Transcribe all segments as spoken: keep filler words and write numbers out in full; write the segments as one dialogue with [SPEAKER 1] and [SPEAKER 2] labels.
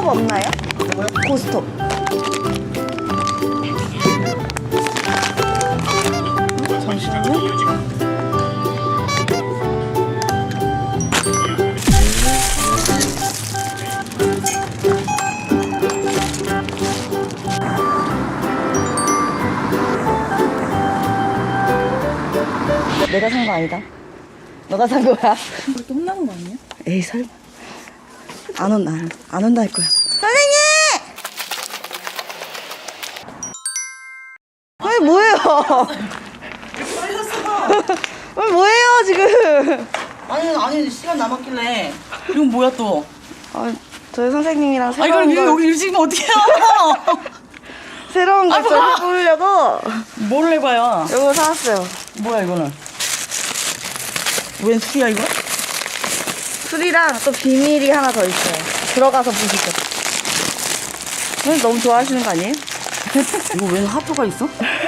[SPEAKER 1] 고스톱 없나요? 고스톱. 잠시만요. 내가 산 거 아니다. 너가 산 거야.
[SPEAKER 2] 이렇게 혼나는 거 아니야?
[SPEAKER 1] 에이 설마. 안 온다. 안 온다 할 거야. 선생님! 아니 뭐예요?
[SPEAKER 2] 빨렸어.
[SPEAKER 1] 아니 뭐예요 지금?
[SPEAKER 2] 아니 아니 시간 남았길래. 이건 뭐야 또?
[SPEAKER 1] 아, 저희 선생님이랑
[SPEAKER 2] 아
[SPEAKER 1] 새로운
[SPEAKER 2] 이걸
[SPEAKER 1] 걸
[SPEAKER 2] 여기 일찍이면 어떡해요?
[SPEAKER 1] 새로운 걸
[SPEAKER 2] 아,
[SPEAKER 1] 좀
[SPEAKER 2] 뭐야?
[SPEAKER 1] 해보려고
[SPEAKER 2] 뭘 해봐요?
[SPEAKER 1] 이거 사왔어요.
[SPEAKER 2] 뭐야 이거는? 웬 술이야 이거?
[SPEAKER 1] 술이랑 또 비밀이 하나 더 있어요. 들어가서 보시죠. 선생님 너무 좋아하시는 거 아니에요?
[SPEAKER 2] 이거 웬 하프가 있어?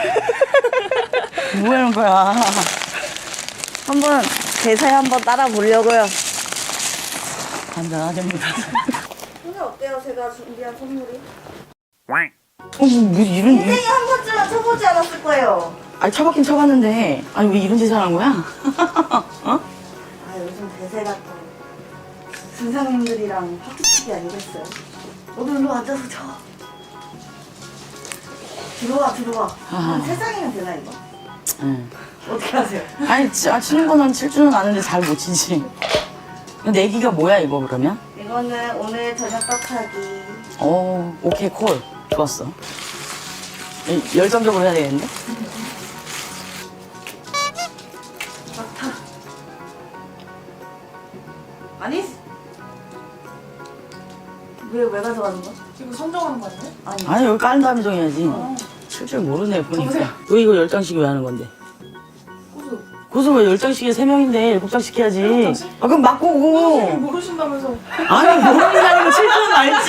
[SPEAKER 2] 뭐 하는 거야?
[SPEAKER 1] 한번 대사에 한번 따라 보려고요.
[SPEAKER 2] 간단하답니다.
[SPEAKER 1] 오늘 어때요? 제가 준비한 선물이?
[SPEAKER 2] 어, 뭐 이런
[SPEAKER 1] 선생님 한 번쯤은 쳐보지 않았을 거예요.
[SPEAKER 2] 아니 쳐봤긴 쳐봤는데 아니 왜 이런 짓을 하는 거야? 어?
[SPEAKER 1] 아 요즘 대세가 또 선생님들이랑 파티치기 아니겠어요? 너도 일로 앉아서 쳐. 들어와 들어와.
[SPEAKER 2] 아.
[SPEAKER 1] 한 세 장이면 되나 이거?
[SPEAKER 2] 응.
[SPEAKER 1] 어떻게 하세요?
[SPEAKER 2] 아니 치, 아, 치는 거는 칠 줄은 아는데 잘 못 치지. 내기가 뭐야 이거 그러면?
[SPEAKER 1] 이거는 오늘 저녁 떡하기.
[SPEAKER 2] 어 오케이 콜 좋았어. 이- 열정적으로 해야 되겠는데?
[SPEAKER 1] 막타. 아니? 왜, 왜 가져가는 거야?
[SPEAKER 3] 이거 선정하는 거 아니야?
[SPEAKER 1] 아니.
[SPEAKER 2] 아니 여기 까는 다음에 정해야지. 칠 줄 모르네 보니까. 왜 이거 열 장씩 왜 하는 건데?
[SPEAKER 3] 고수.
[SPEAKER 2] 고수 왜 열 장씩에 세 명인데 일곱 장씩 해야지.
[SPEAKER 3] 장씩?
[SPEAKER 2] 아 그럼 맞고 오고.
[SPEAKER 3] 모르신다면서.
[SPEAKER 2] 아니 모르는 게 아니고 칠 줄은 알지.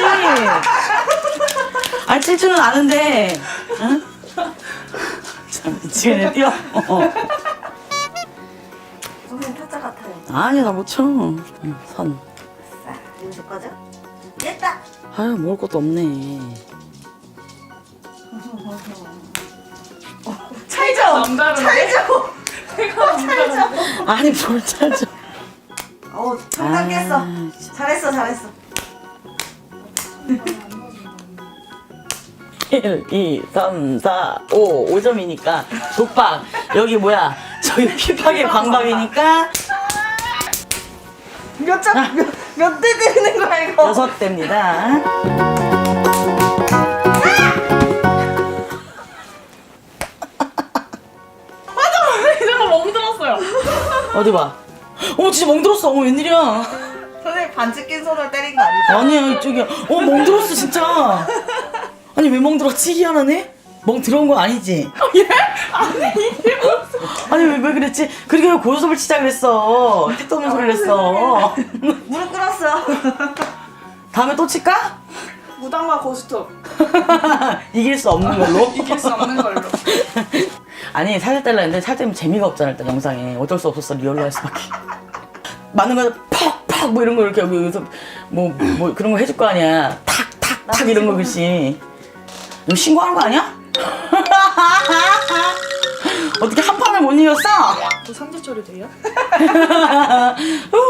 [SPEAKER 2] 아니 칠 줄은 아는데. 응? 참 미치겠네 뛰어. 어.
[SPEAKER 1] 선생님 타짜 같아요.
[SPEAKER 2] 아니 나 못 쳐. 응, 선.
[SPEAKER 1] 자, 이거 제 거죠? 됐다!
[SPEAKER 2] 아유 먹을 것도 없네.
[SPEAKER 1] 찰져!
[SPEAKER 3] 남다른데?
[SPEAKER 1] 찰져!
[SPEAKER 3] 내가 찰져.
[SPEAKER 2] 아니 뭘 찾아.
[SPEAKER 1] 어, 청단 깼어.
[SPEAKER 2] 아,
[SPEAKER 1] 잘했어, 잘했어.
[SPEAKER 2] 일, 이, 삼, 사, 오, 오 점이니까 독박. 여기 뭐야? 저기 피파게 광박이니까
[SPEAKER 1] 몇 장, 몇, 몇 대 때리는 거야, 이거?
[SPEAKER 2] 여섯 대입니다.
[SPEAKER 3] 이제는 멍들었어요.
[SPEAKER 2] 어디 봐. 어머 진짜 멍들었어. 어머 웬일이야.
[SPEAKER 1] 선생님 반지 낀 손으로 때린 거 아니죠?
[SPEAKER 2] 아니야 이쪽이야. 어 멍들었어 진짜. 아니 왜 멍들었지? 희한하네. 멍 들어온 거 아니지?
[SPEAKER 3] 예? 아니 이게 무슨.
[SPEAKER 2] 아니 왜, 왜 그랬지? 그렇게 왜 고요섭을 치자 그랬어. 뜻도 없는 소리를 했어.
[SPEAKER 1] 무릎 꿇었어.
[SPEAKER 2] 다음에 또 칠까?
[SPEAKER 3] 무당과 고스톱.
[SPEAKER 2] 이길 수 없는 걸로?
[SPEAKER 3] 이길 수 없는 걸로.
[SPEAKER 2] 아니 살짝 떼려 했는데 살짝 재미가 없잖아 일단 영상에. 어쩔 수 없었어 리얼로 할 수밖에. 맞는 거에 팍팍 뭐 이런 거 이렇게 여기서 뭐, 뭐 그런 거 해줄 거 아니야. 탁탁탁 이런 거 글씨. 너 신고하는 거 아니야? 어떻게 한 판을 못 이겼어?
[SPEAKER 3] 또 삼재 처리 돼요?
[SPEAKER 2] 우,